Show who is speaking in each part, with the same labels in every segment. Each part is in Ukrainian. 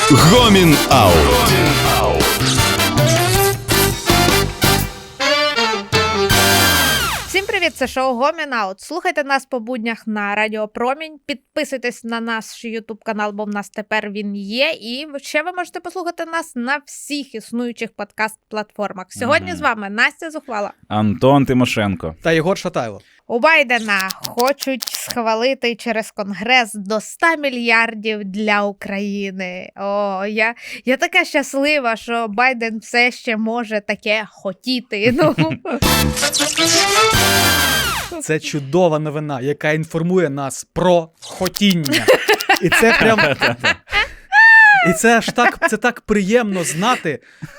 Speaker 1: Гомін Аут.
Speaker 2: Всім привіт, це шоу Гомін Аут. Слухайте нас по буднях на Радіо Промінь, підписуйтесь на наш ютуб-канал, бо в нас тепер він є, і ще ви можете послухати нас на всіх існуючих подкаст-платформах. Сьогодні з вами Настя Зухвала,
Speaker 3: Антон Тимошенко
Speaker 4: та Єгор Шатайло.
Speaker 2: У Байдена хочуть схвалити через Конгрес до 100 мільярдів для України. О, я така щаслива, що Байден все ще може таке хотіти.
Speaker 4: Це чудова новина, яка інформує нас про хотіння. І це прям... І це так приємно знати,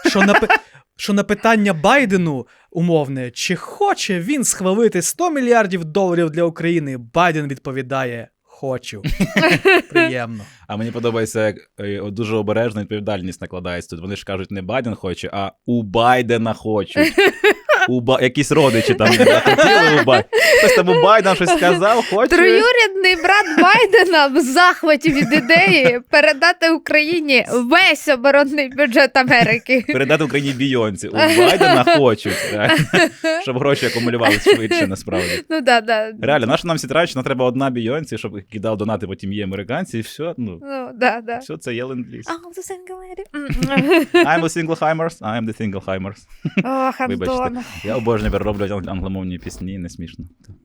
Speaker 4: що на питання Байдену умовне, чи хоче він схвалити 100 мільярдів доларів для України, Байден відповідає: хочу. Приємно.
Speaker 3: А мені подобається, як дуже обережна відповідальність накладається тут. Вони ж кажуть, не Байден хоче, а у Байдена хочуть. Якісь родичі там хотіли у Байдена. Хтось там у Байдена щось сказав, хоче.
Speaker 2: Троюрідний брат Байдена в захваті від ідеї передати Україні весь оборонний бюджет Америки.
Speaker 3: Передати Україні Бійонці. У Байдена хочуть. Щоб гроші акумулювалися швидше, насправді.
Speaker 2: Ну, да.
Speaker 3: Реально, нащо нам всі трають, нам треба одна Бійонці, щоб кидав донати, потім є американці, і все.
Speaker 2: Да.
Speaker 3: Все, це є ленд-ліз.
Speaker 2: I'm the single lady.
Speaker 3: I'm the single-himers, I'm the single-himers.
Speaker 2: Ох, Антон.
Speaker 3: Я обожнюю перероблювати англомовні пісні, не смішно.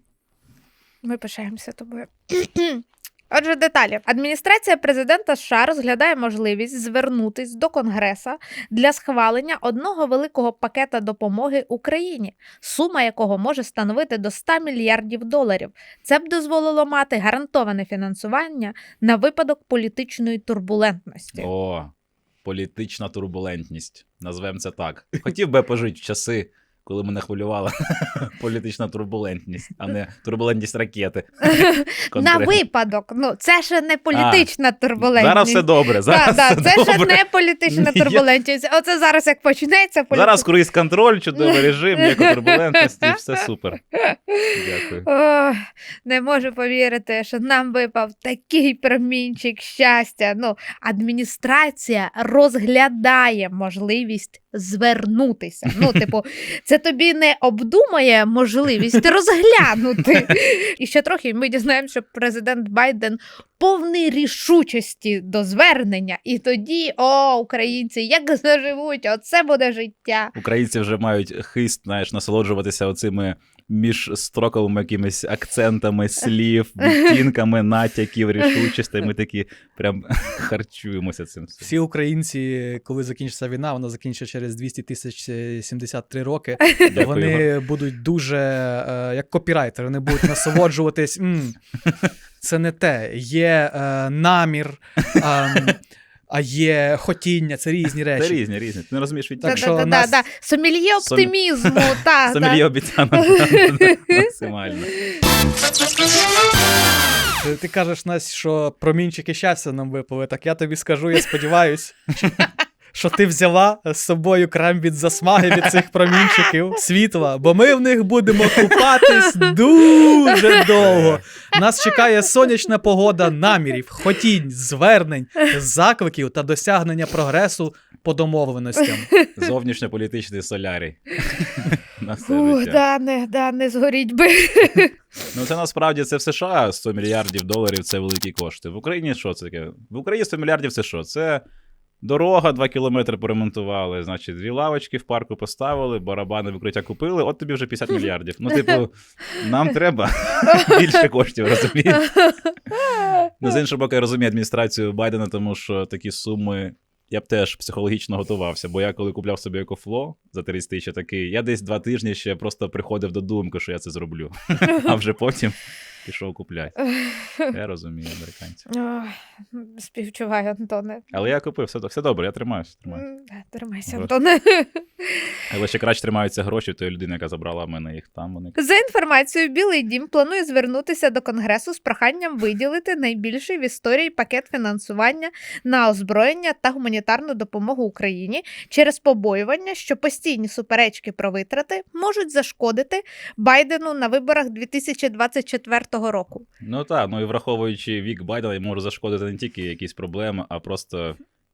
Speaker 2: Ми пишаємося тобою. Отже, деталі. Адміністрація президента США розглядає можливість звернутись до Конгреса для схвалення одного великого пакета допомоги Україні, сума якого може становити до 100 мільярдів доларів. Це б дозволило мати гарантоване фінансування на випадок політичної турбулентності.
Speaker 3: О, політична турбулентність. Назвемо це так. Хотів би пожити в часи, коли мене хвилювала політична турбулентність, а не турбулентність ракети.
Speaker 2: На випадок. Це ще не політична турбулентність.
Speaker 3: Зараз все добре.
Speaker 2: Це ще не політична турбулентність. Оце зараз як почнеться політична.
Speaker 3: Зараз круїз-контроль, чудовий режим, ніякої турбулентності, все супер. Дякую.
Speaker 2: Не можу повірити, що нам випав такий промінчик щастя. Адміністрація розглядає можливість звернутися. Це тобі не обдумає можливість розглянути. І ще трохи ми дізнаємося, що президент Байден повний рішучості до звернення. І тоді, українці, як заживуть, оце буде життя.
Speaker 3: Українці вже мають хист, насолоджуватися оцими міжстроковими якимись акцентами слів, відтінками, натяків, рішучостей. Ми такі прям харчуємося цим.
Speaker 4: Всі українці, коли закінчиться війна, вона закінчиться через 200 73 роки, вони будуть дуже, як копірайтери, вони будуть насолоджуватись. Це не те. Є намір, а є хотіння, це різні речі.
Speaker 3: Це різні. Ти не розумієш відтінок.
Speaker 2: Сомельє оптимізму.
Speaker 3: Сомельє обіцянок. Максимально.
Speaker 4: Ти кажеш, Настя, що промінчики щастя нам випали. Так я тобі скажу, я сподіваюсь, що ти взяла з собою крем від засмаги від цих промінчиків світла, бо ми в них будемо купатись дуже довго. Нас чекає сонячна погода намірів, хотінь, звернень, закликів та досягнення прогресу по домовленостям.
Speaker 3: Зовнішньополітичний солярій. На все життя.
Speaker 2: Не згоріть би.
Speaker 3: Це насправді це в США 100 мільярдів доларів – це великі кошти. В Україні що це таке? В Україні 100 мільярдів – це що? Це дорога 2 кілометри поремонтували, значить, 2 лавочки в парку поставили, барабани викриття купили, от тобі вже 50 мільярдів. Нам треба більше коштів, розумієш? З іншого боку, я розумію адміністрацію Байдена, тому що такі суми я б теж психологічно готувався, бо я коли купляв собі EcoFlow за 30 тисяч, такий, я десь 2 тижні ще просто приходив до думки, що я це зроблю. А вже потім пішов купляти. Я розумію американців.
Speaker 2: Співчуваю, Антоне.
Speaker 3: Але я купив, все добре, я тримаюся.
Speaker 2: Тримайся, Антоне.
Speaker 3: Але ще краще тримаються гроші тої людини, яка забрала в мене їх там. Вони.
Speaker 2: За інформацією, Білий дім планує звернутися до Конгресу з проханням виділити найбільший в історії пакет фінансування на озброєння та гуманітарну допомогу Україні через побоювання, що постійні суперечки про витрати можуть зашкодити Байдену на виборах 2024 року.
Speaker 3: Ну так, і враховуючи вік Байдена, може зашкодити не тільки якісь проблеми, а просто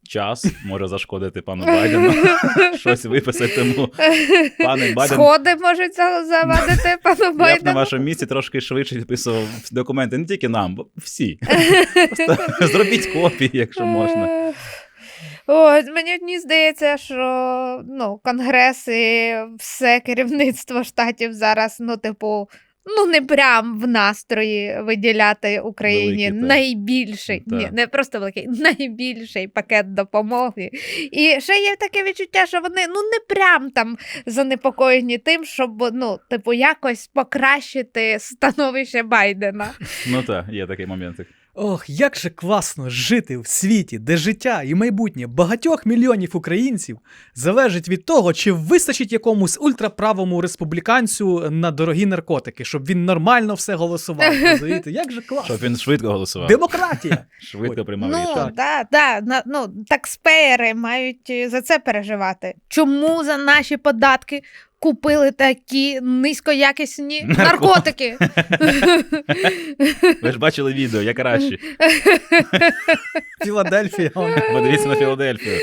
Speaker 3: час може зашкодити пану Байдену. Щось виписати тому. Пане Байден,
Speaker 2: Сходи можуть завадити пану
Speaker 3: я б на
Speaker 2: Байдену.
Speaker 3: вашому місці трошки швидше підписував документи. Не тільки нам, бо всі. Просто зробіть копії, якщо можна.
Speaker 2: Мені здається, що Конгрес і все керівництво штатів зараз, не прям в настрої виділяти Україні
Speaker 3: Великий, так.
Speaker 2: найбільший,
Speaker 3: Так.
Speaker 2: ні, не просто великий, найбільший пакет допомоги. І ще є таке відчуття, що вони не прям там занепокоєні тим, щоб якось покращити становище Байдена.
Speaker 3: Ну так, є такий моментик.
Speaker 4: Ох, як же класно жити в світі, де життя і майбутнє багатьох мільйонів українців залежить від того, чи вистачить якомусь ультраправому республіканцю на дорогі наркотики, щоб він нормально все голосував. Розумієте? Як же класно.
Speaker 3: Щоб він швидко голосував.
Speaker 4: Демократія.
Speaker 3: Швидко приймав рішення.
Speaker 2: Такспеєри мають за це переживати. Чому за наші податки купили такі низькоякісні наркотики?
Speaker 3: Ви ж бачили відео, я краще.
Speaker 4: Філадельфія.
Speaker 3: Подивіться на Філадельфію.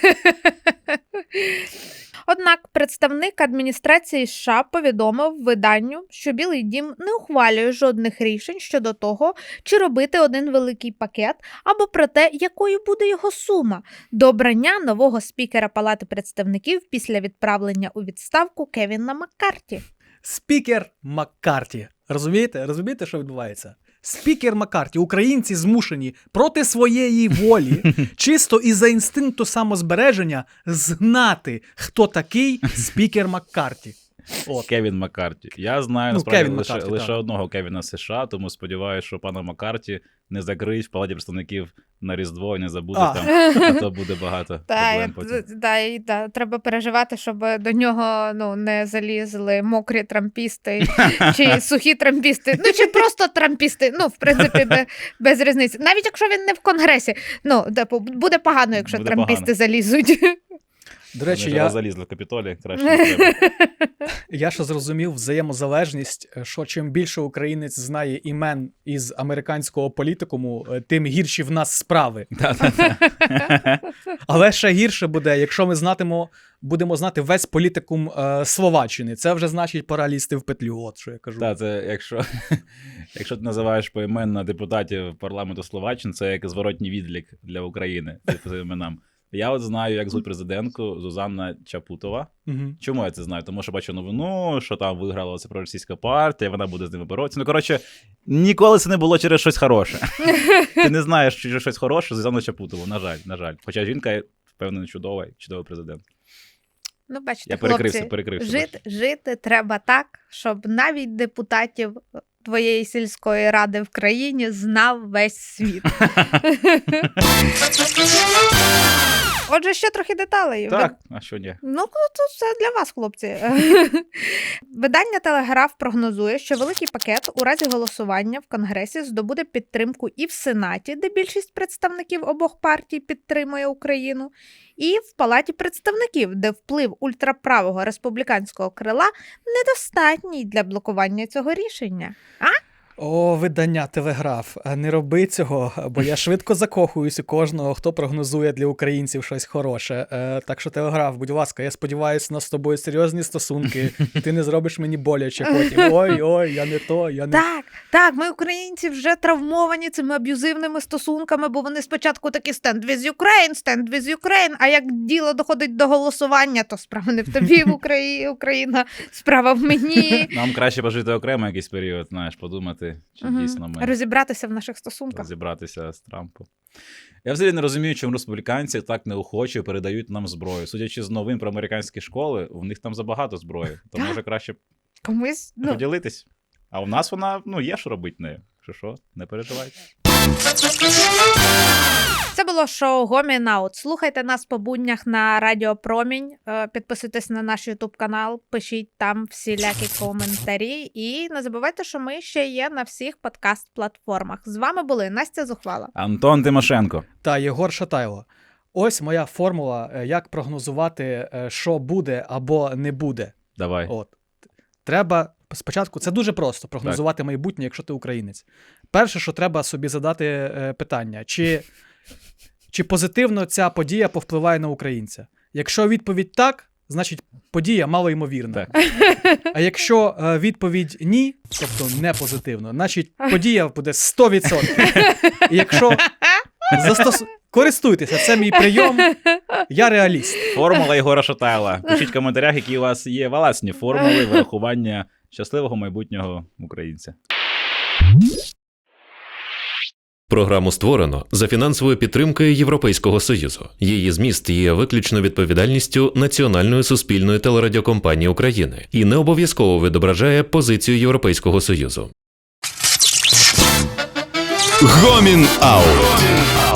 Speaker 2: Однак представник адміністрації США повідомив виданню, що Білий дім не ухвалює жодних рішень щодо того, чи робити один великий пакет, або про те, якою буде його сума до обрання нового спікера Палати представників після відправлення у відставку Кевіна Маккарті.
Speaker 4: Спікер Маккарті. Розумієте? Розумієте, що відбувається? Спікер Маккарті. Українці змушені проти своєї волі, чисто із-за інстинкту самозбереження, знати, хто такий спікер Маккарті. От.
Speaker 3: Кевін Маккарті. Я знаю,
Speaker 4: Ну,
Speaker 3: насправді,
Speaker 4: Кевін
Speaker 3: лише,
Speaker 4: Маккарті,
Speaker 3: лише
Speaker 4: так.
Speaker 3: одного Кевіна США, тому сподіваюся, що пана Маккарті не закриють в Палаті представників на Різдво і не забуде
Speaker 4: А.
Speaker 3: там, а то буде багато проблем потім.
Speaker 2: Треба переживати, щоб до нього не залізли мокрі трампісти, чи сухі трампісти, чи просто трампісти. В принципі, без різниці. Навіть якщо він не в Конгресі, буде погано, якщо
Speaker 3: Буде
Speaker 2: трампісти
Speaker 3: погано.
Speaker 2: залізуть.
Speaker 4: До речі,
Speaker 3: Вони
Speaker 4: я,
Speaker 3: залізли в Капітолій, краще не треба.
Speaker 4: я ще зрозумів взаємозалежність, що чим більше українець знає імен із американського політикуму, тим гірші в нас справи. Але ще гірше буде, якщо ми будемо знати весь політикум Словаччини. Це вже значить пора лізти в петлю, от що я кажу.
Speaker 3: Так, це якщо ти називаєш поіменно депутатів парламенту Словаччини, це як зворотній відлік для України по іменам. Я от знаю, як звуть президентку Зузанна Чапутова.
Speaker 4: Угу.
Speaker 3: Чому я це знаю? Тому що бачу новину, що там виграла ця проросійська партія, вона буде з ними боротися. Коротше, ніколи це не було через щось хороше. Ти не знаєш через щось хороше Зузанну Чапутову, на жаль. Хоча жінка, впевнений, чудовий президент.
Speaker 2: Бачите,
Speaker 3: Я
Speaker 2: хлопці,
Speaker 3: перекрився.
Speaker 2: жити треба так, щоб навіть депутатів твоєї сільської ради в країні знав весь світ. Отже, ще трохи деталей.
Speaker 3: Так, а що ні?
Speaker 2: Тут все для вас, хлопці. Видання «Телеграф» прогнозує, що великий пакет у разі голосування в Конгресі здобуде підтримку і в Сенаті, де більшість представників обох партій підтримує Україну, і в Палаті представників, де вплив ультраправого республіканського крила недостатній для блокування цього рішення.
Speaker 4: О, видання Телеграф, не роби цього, бо я швидко закохуюсь у кожного, хто прогнозує для українців щось хороше. Так що, Телеграф, будь ласка, я сподіваюся, у нас з тобою серйозні стосунки, і ти не зробиш мені боляче потім. Ой, я не то, я не...
Speaker 2: Так, ми, українці, вже травмовані цими аб'юзивними стосунками, бо вони спочатку такі stand with Ukraine, а як діло доходить до голосування, то справа не в тобі, Україна, справа в мені.
Speaker 3: Нам краще пожити окремо якийсь період, знаєш, подумати, чи дійсно ми
Speaker 2: Розібратися в наших стосунках.
Speaker 3: розібратися з Трампом. Я взагалі не розумію, чому республіканці так неохоче передають нам зброю. Судячи з новин про американські школи, у них там забагато зброї, то може краще
Speaker 2: Комусь,
Speaker 3: поділитись. А у нас вона, є що робити нею. Що, не переживайте.
Speaker 2: Це було шоу Гомін Аут. Слухайте нас по буднях на Радіо Промінь, підписуйтесь на наш YouTube канал, пишіть там всілякі коментарі і не забувайте, що ми ще є на всіх подкаст-платформах. З вами були Настя Зухвала,
Speaker 3: Антон Тимошенко
Speaker 4: Та Єгор Шатайло. Ось моя формула, як прогнозувати, що буде або не буде.
Speaker 3: Давай.
Speaker 4: От. Треба спочатку, це дуже просто прогнозувати майбутнє, якщо ти українець. Перше, що треба собі задати питання, чи позитивно ця подія повпливає на українця. Якщо відповідь так, значить подія малоймовірна.
Speaker 3: Так.
Speaker 4: А якщо відповідь ні, тобто не позитивно, значить подія буде 100%. І якщо користуйтеся, це мій прийом, я реаліст.
Speaker 3: Формула Єгора Шатайла. Пишіть в коментарях, які у вас є власні формули вирахування щасливого майбутнього українця.
Speaker 1: Програму створено за фінансовою підтримкою Європейського Союзу. Її зміст є виключно відповідальністю Національної суспільної телерадіокомпанії України і не обов'язково відображає позицію Європейського Союзу.
Speaker 3: Гомін Аут.